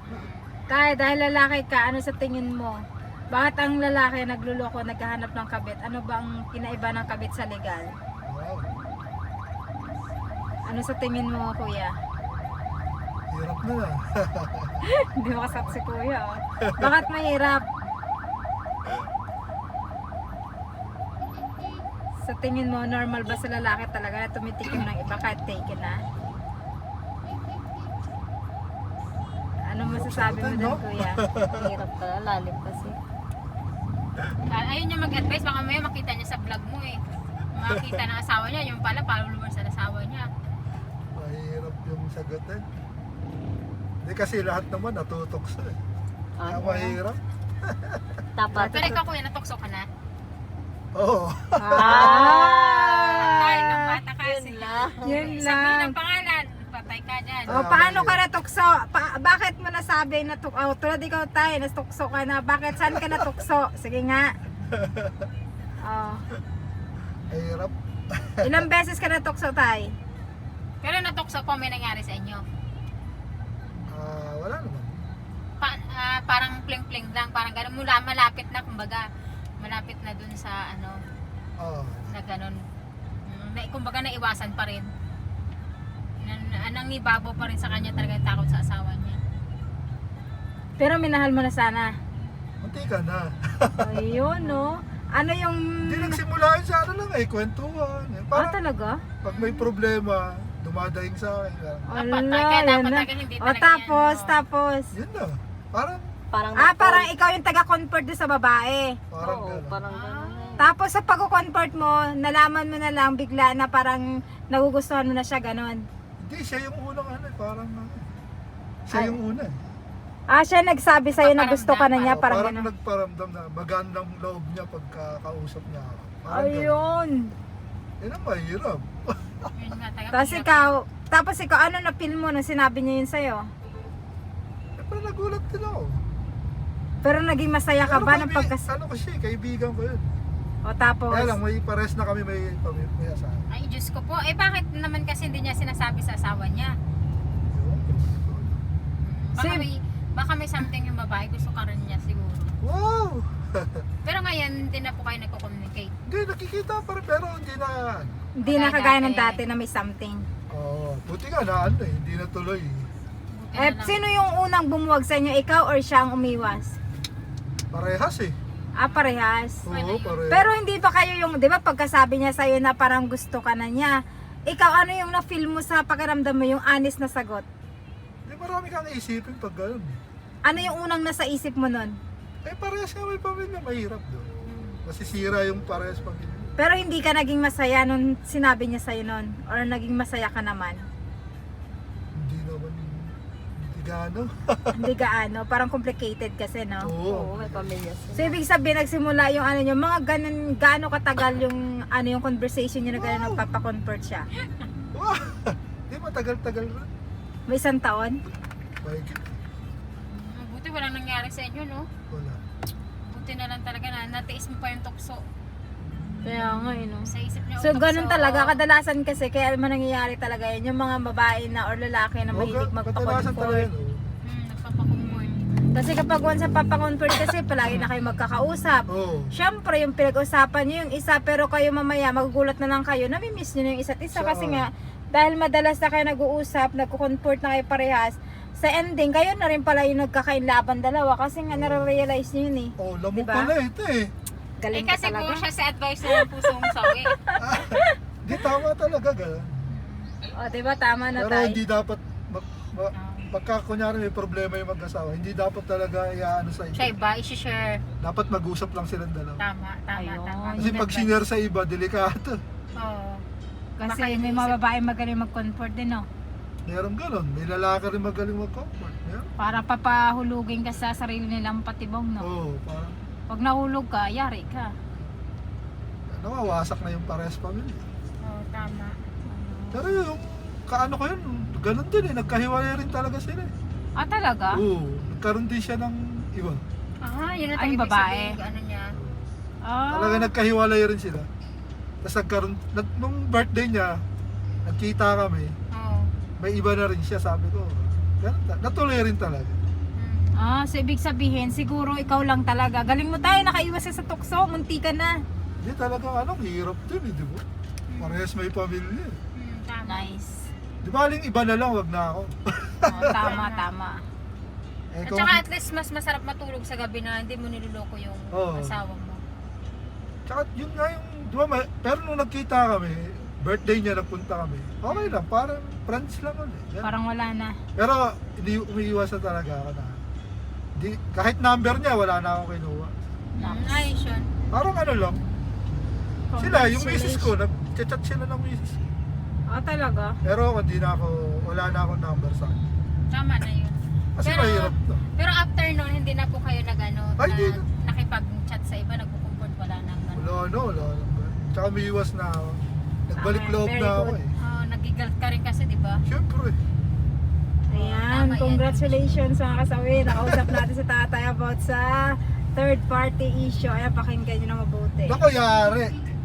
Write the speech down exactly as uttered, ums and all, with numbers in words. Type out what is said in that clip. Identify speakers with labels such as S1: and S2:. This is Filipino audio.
S1: Tay, dahil lalaki ka, ano sa tingin mo? Bakit ang lalaki nagluloko, naghahanap ng kabit? Ano ba ang kinaiba ng kabit sa legal?
S2: Wow.
S1: Ano sa tingin mo, kuya?
S2: Hirap na na.
S1: Hindi makasak si kuya, oh. Bakit mahirap? Sa tingin mo, normal ba sa lalaki talaga na tumitikim ng iba kahit taken na? Ano masasabi mo
S2: Sagutin,
S1: dun,
S2: no?
S1: kuya?
S3: Hirap pala, lalim kasi.
S4: Ah, Ayun niya mag-advise, baka may makita niya sa vlog mo eh. Makita ng asawa niya, yung pala followers sa asawa niya.
S2: Mahirap yung sagutin. Hindi kasi lahat naman natutokso eh. Kaya
S3: Ano?
S2: mahirap.
S3: Dapat.
S4: Pero ikaw kuya, natokso ka na?
S2: Oo.
S4: Ay,
S1: Ah!
S4: ng bata kasi.
S3: Yun lang.
S1: Yun
S4: Sabihin
S1: lang.
S4: ang pangalan, patay ka dyan.
S1: O, paano ka natukso? Pa- bakit mo nasabi na tuk oh, tulad ikaw tayo, natukso ka na. Bakit? Saan ka natukso? Sige nga. Oh.
S2: Mahirap.
S1: Ilang beses ka natukso tayo?
S4: Pero natokso po, may nangyari sa inyo.
S2: Ah, wala naman.
S4: Pa, ah, parang pling-pling lang, parang gano'n. Mula malapit na, kumbaga, malapit na dun sa ano,
S2: Oo.
S4: na gano'n. Mm, Na, kumbaga naiwasan pa rin. Na, nang ibabaw pa rin sa kanya talaga yung takot sa asawa niya.
S1: Pero minahal mo na sana.
S2: Munti ka na.
S1: Ayun, no? Ano yung...
S2: Hindi nagsimula yun sa ano lang eh, kwentuhan. Eh.
S1: Ah,
S2: Parang
S1: talaga?
S2: pag may problema, dumadaing sa akin. Parang,
S1: Ala,
S4: Dapat, kaya
S1: yan
S4: dapat
S1: na.
S4: talaga hindi
S1: O,
S4: talaga
S1: tapos,
S4: yan, no?
S1: tapos.
S2: yun na. Parang,
S3: Parang
S1: Ah, parang ikaw yung taga-convert doon sa babae.
S2: parang
S3: Oo,
S2: gano'n.
S3: parang gano'n eh.
S1: Tapos sa pag-convert mo, nalaman mo na lang bigla na parang nagugustuhan mo na siya, ganon.
S2: Hindi, siya yung unang ano eh, parang ano. Siya
S1: Ay.
S2: yung una eh.
S1: Ah, siya nagsabi sa'yo na gusto ka na niya,
S2: Oo,
S1: parang
S2: parang
S1: ganon.
S2: nagparamdam na magandang loob niya pagkakausap niya ako. Parang gano'n.
S1: Ayun.
S2: Yun ang mahirap.
S4: Yun nga, taga-
S1: Tapos ikaw, tapos ikaw, ano na feel mo nung sinabi niya yun sa'yo?
S2: Eh, parang nagulat din ako.
S1: Pero naging masaya ka
S2: Pero
S1: ba ng
S2: kaibi-
S1: pagkas...
S2: Ano ko siya, eh, kaibigan ko yun.
S1: O tapos,
S2: Kaya lang, may pares na kami may pamilya sa akin.
S4: Ay, Diyos ko po. Eh, bakit naman kasi hindi niya sinasabi sa asawa niya? Baka
S1: Sim.
S4: may, baka may something yung babae, gusto ka rin niya siguro.
S2: Wow!
S4: Pero ngayon, hindi na po kayo nagko-communicate.
S2: Hindi, nakikita pa rin, pero hindi na.
S1: hindi na kagaya ng dati na may something.
S2: Oo, oh, buti nga na ano eh, hindi na tuloy.
S4: Buti
S1: Eh,
S4: na lang.
S1: sino yung unang bumuwag sa inyo? Ikaw or siya ang umiwas?
S2: Parehas eh.
S1: Ah, parehas.
S2: Oo,
S4: Pwede yun.
S2: parehas.
S1: Pero hindi ba kayo yung, di ba pagkasabi niya sa'yo na parang gusto ka na niya, ikaw ano yung na-feel mo sa pakiramdam mo, yung honest na sagot?
S2: Hindi, marami kang isipin pag gano'n.
S1: Ano yung unang nasa isip mo nun?
S2: Eh, parehas nga may pamilya, mahirap doon. Masisira yung parehas pamilya.
S1: Pero hindi ka naging masaya nung sinabi niya sa'yo nun? Or naging masaya ka naman?
S2: Hindi naman, hindi gaano.
S1: Hindi gaano, parang complicated kasi, no?
S2: Oo.
S3: Oo, may pamilya
S1: So,
S3: sila.
S1: ibig sabihin, nagsimula yung ano nyo, mga ganun, gaano katagal yung, ano yung conversation nyo na gano'n
S2: Wow.
S1: nagpapaconvert siya?
S2: Wow! Hindi, matagal-tagal rin.
S1: May isang taon?
S2: Mahigit.
S4: Mm, Buti walang nangyari sa inyo, no?
S2: Wala.
S4: Buti na lang talaga na natiis mo pa yung tukso.
S1: Kaya nga, eh, no?
S4: Sa isip niya,
S1: So,
S4: oh,
S1: ganun
S4: tukso.
S1: talaga, kadalasan kasi, kaya man nangyayari talaga yun, yung mga babae na or lalaki na
S2: Oo,
S1: mahilig
S2: ka- kadalasan talaga
S1: magpa-convert.
S2: yun. oh.
S4: Hmm, nagpapakumport.
S1: Kasi kapag once sa papaconvert kasi, palagi na kayo magkakausap.
S2: Oo.
S1: Siyempre, yung pinag-usapan nyo yung isa, pero kayo mamaya, magugulat na lang kayo, namimiss nyo na yung isa't isa.
S2: So,
S1: Kasi nga, dahil madalas na kayo nag-uusap, nagko-convert na kayo parehas, sa ending, kayo na rin pala yung nagkakainlaban dalawa. Kasi nga, nare-realize nyo yun eh.
S2: Oh, lamok
S1: Diba?
S2: pala ito eh.
S4: Eh
S1: Galing ka
S4: kasi po
S1: talaga.
S4: siya sa advisor ng pusong sawi.
S2: Hindi, tama talaga gano'n.
S1: O, diba? Tama na
S2: Pero
S1: tayo.
S2: hindi dapat, mag, ma- pagka kunyari may problema yung mag-asawa, hindi dapat talaga iaano sa
S4: Siya
S2: iba.
S4: iba, isi-share.
S2: Dapat mag-usap lang silang dalawa.
S4: Tama, tama,
S1: Ayun.
S4: tama.
S2: Kasi
S4: Good
S2: pag
S4: advice.
S2: sinare sa iba, delikado.
S4: Oo.
S1: Kasi
S4: Baka
S1: may
S4: iniisip-
S1: mga babae magaling mag-convert din, no?
S2: Meron gano'n. May lalaki rin magaling mag-comfort. Meron.
S1: Para papahulugin ka sa sarili nilang patibong, no?
S2: Oo, parang
S1: Pag nahulog ka, yari ka.
S2: nawawasak na yung parehas pamilya.
S4: Oo, tama.
S2: Pero yung kaano ko yun, gano'n din eh. Nagkahiwalay rin talaga sila eh.
S1: Ah, talaga?
S2: Oo, nagkaroon din siya ng iba.
S4: Ah, yun ang
S1: Ay,
S4: ibig
S1: babae.
S4: sabihin, ano niya.
S1: Ah.
S2: Talaga nagkahiwalay rin sila. Tapos nagkaroon, nag, nung birthday niya, nagkita kami,
S4: Oo.
S2: may iba na rin siya, sabi ko. Ganun, ta- natuloy rin talaga.
S4: Hmm.
S1: Ah, so ibig sabihin, siguro ikaw lang talaga. Galing mo tayo, nakaiwas ka sa tukso, munti ka na.
S2: Hindi talaga ano, hirap din eh, di ba? Parehas may pamilya eh.
S4: Hmm, tama.
S1: Nice.
S2: Di ba aling iba na lang, wag na ako.
S1: Oh, tama, tama.
S2: Eh,
S4: At
S2: kung-
S4: saka at least mas masarap matulog sa gabi na hindi mo niloloko yung
S2: Oo.
S4: asawa mo.
S2: Tsaka yun nga yung, di ba, may- pero nung nagkita kami, birthday niya, nagpunta kami, okay lang, parang friends lang ulit. Yan.
S1: Parang wala na.
S2: Pero hindi umiiwas na talaga ako na, di, kahit number niya, wala na akong kinuha.
S4: Hmm, ayos yun.
S2: Parang ano lang, sila, yung misis ko, nag-chat sila ng misis ko.
S1: Ah, talaga?
S2: Pero ako, hindi na ako, wala na akong number sa akin.
S4: Tama na yun.
S2: Kasi
S4: Pero-
S2: mahirap to.
S4: Pero after nun, hindi na po kayo nag-ano,
S2: Ay,
S4: na,
S2: hindi na.
S4: nakipag-chat sa iba, nagpo-comfort, wala nang ano.
S2: Wala, no, wala. wala. Tsaka umiiwas na ako. Nagbalik
S1: Okay,
S2: loob
S1: very
S2: na ako
S1: good.
S2: eh.
S4: Oh, nagigalt ka rin kasi, di ba?
S2: Siyempre.
S1: Ayan,
S4: Tama yan.
S1: congratulations mga kasawi. Nakausap natin sa tatay about sa third party issue. Ayan, pakinggan nyo na mabuti.
S2: Naku, yari.